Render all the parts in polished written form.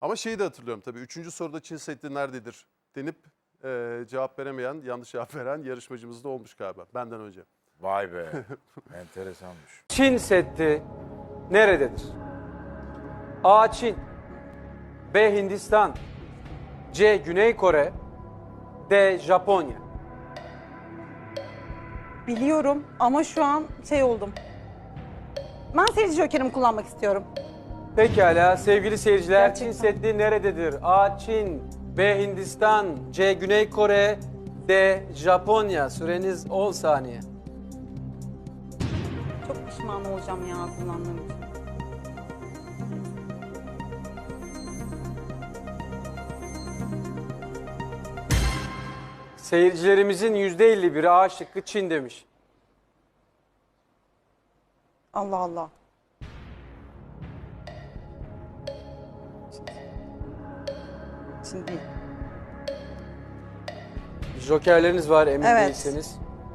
Ama şeyi de hatırlıyorum tabii. 3. soruda Çin Seddi nerededir denip cevap veremeyen, yanlış cevap veren yarışmacımız da olmuş galiba benden önce. Vay be. Enteresanmış. Çin Seddi nerededir? A. Çin, B. Hindistan, C. Güney Kore, D. Japonya. Biliyorum ama şu an şey oldum. Ben seyirci jokerimi kullanmak istiyorum. Pekala sevgili seyirciler, Gerçekten. Çin Seddi nerededir? A. Çin, B. Hindistan, C. Güney Kore, D. Japonya. Süreniz 10 saniye. Çok pişman olacağım ya kullandığım için. Seyircilerimizin %51'i A şıkkı Çin demiş. Allah Allah. Şimdi Jokerleriniz var emin Evet. değilseniz.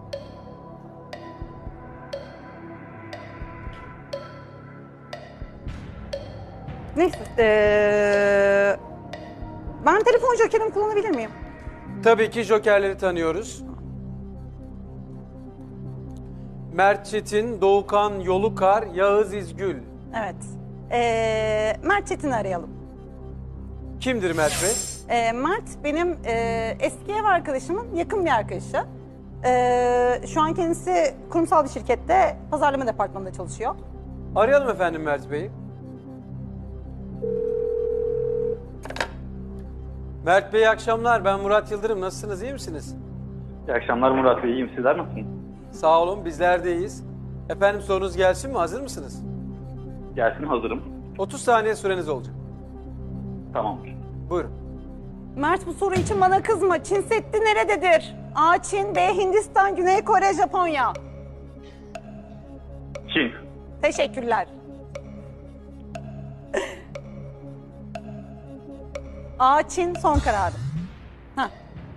neyse. Ben telefon jokerimi kullanabilir miyim? Tabii ki jokerleri tanıyoruz. Mert Çetin, Doğukan Yolukar, Yağız İzgül. Evet. Mert Çetin'i arayalım. Kimdir Mert Bey? Mert benim eski ev arkadaşımın yakın bir arkadaşı. Şu an kendisi kurumsal bir şirkette pazarlama departmanında çalışıyor. Arayalım efendim Mert Bey'i. Mert Bey iyi akşamlar. Ben Murat Yıldırım. Nasılsınız? İyi misiniz? İyi akşamlar Murat Bey, iyiyim. Sizler nasılsınız? Sağ olun. Bizler de iyiyiz. Efendim sorunuz gelsin mi? Hazır mısınız? Gelsin, hazırım. 30 saniye süreniz olacak. Tamamdır. Buyurun. Mert bu soru için bana kızma. Çin Seddi nerededir? A. Çin, B. Hindistan, Güney Kore, Japonya. Çin. Teşekkürler. A. Çin son kararı. Heh.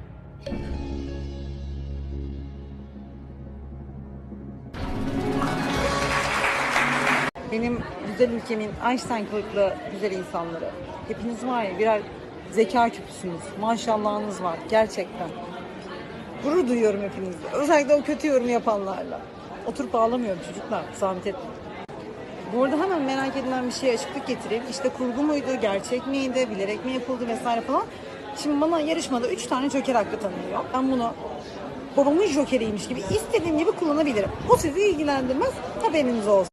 Benim güzel ülkemin Einstein kılıklı güzel insanları. Hepiniz var ya birer zeka küpüsünüz. Maşallahınız var gerçekten. Gurur duyuyorum hepinizle. Özellikle o kötü yorum yapanlarla. Oturup ağlamıyorum çocuklar. Zahmet etmeyin. Bu arada hemen merak edilen bir şeye açıklık getireyim. İşte kurgu muydu, gerçek miydi, bilerek mi yapıldı vesaire falan. Şimdi bana yarışmada 3 tane joker hakkı tanınıyor. Ben bunu babamın jokeriymiş gibi istediğim gibi kullanabilirim. Bu sizi ilgilendirmez, haberiniz olsun.